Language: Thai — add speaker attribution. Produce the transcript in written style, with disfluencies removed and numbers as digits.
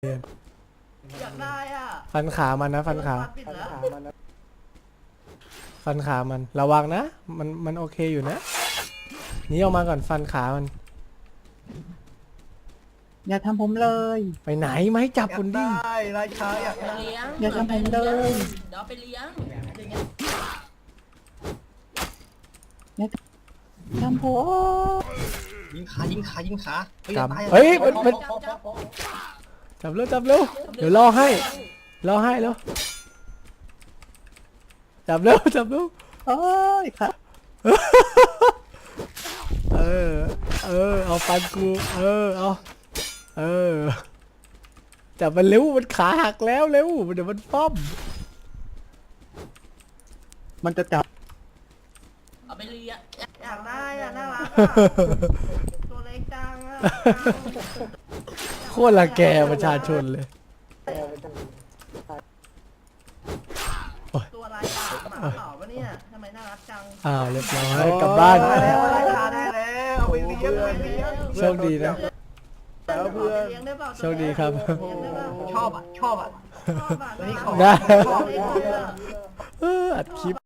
Speaker 1: อยากได้อ่ะ
Speaker 2: ฟันขามันนะฟันขา
Speaker 1: ปิดแล้ว
Speaker 2: ฟันขามันระวังนะมันโอเคอยู่นะหนีออกมาก่อนฟันขามัน
Speaker 3: อย่าทำผมเลย
Speaker 2: ไปไหนไม่จับคุณดิ
Speaker 4: ได้ราชาอยากได้
Speaker 1: เลี้ยง
Speaker 3: อย่าทำผมเลย
Speaker 1: เดี๋ยวไปเลี้ยงอย่างเงี้ย
Speaker 3: ทำผม
Speaker 4: ยิงขายิงขายิงขา
Speaker 2: จับเฮ้ยมัน
Speaker 1: จับ
Speaker 2: จับเร็วจับเร็วเดี๋ยวรอให้แล้วจับเร็วจับเร็ว
Speaker 3: โอ้ยครับ
Speaker 2: เออเอาฟันกูเอาจับมันเร็วมันขาหักแล้วเร็วเดี๋ยวมันป้อม
Speaker 3: มันจะจับ
Speaker 1: เอาไปเลี้ยงอยากได้อ่ะน่ารักตัวเล็กจังอ่ะ
Speaker 2: โคตรละแกประชาชนเลย
Speaker 1: ตัวอะไรอ่ะหมาเปล่าวะเนี่ยทำไมน่ารักจัง
Speaker 2: เรียบร้อยกลับบ้าน
Speaker 4: ได้แล้วราชาได้แล้วเอาไปเลี้ยงไปเลี้ยง
Speaker 2: โชคดีนะ
Speaker 4: แล้วเพื่อน
Speaker 1: เลี้ยงได้เปล่า
Speaker 2: โชคดีครับ
Speaker 4: ชอบอ่ะชอบอ่ะ
Speaker 1: ชอบอ่ะ
Speaker 4: อันนี้ขอ
Speaker 2: ได้
Speaker 1: ชอบอ่ะ
Speaker 2: อัดคลิป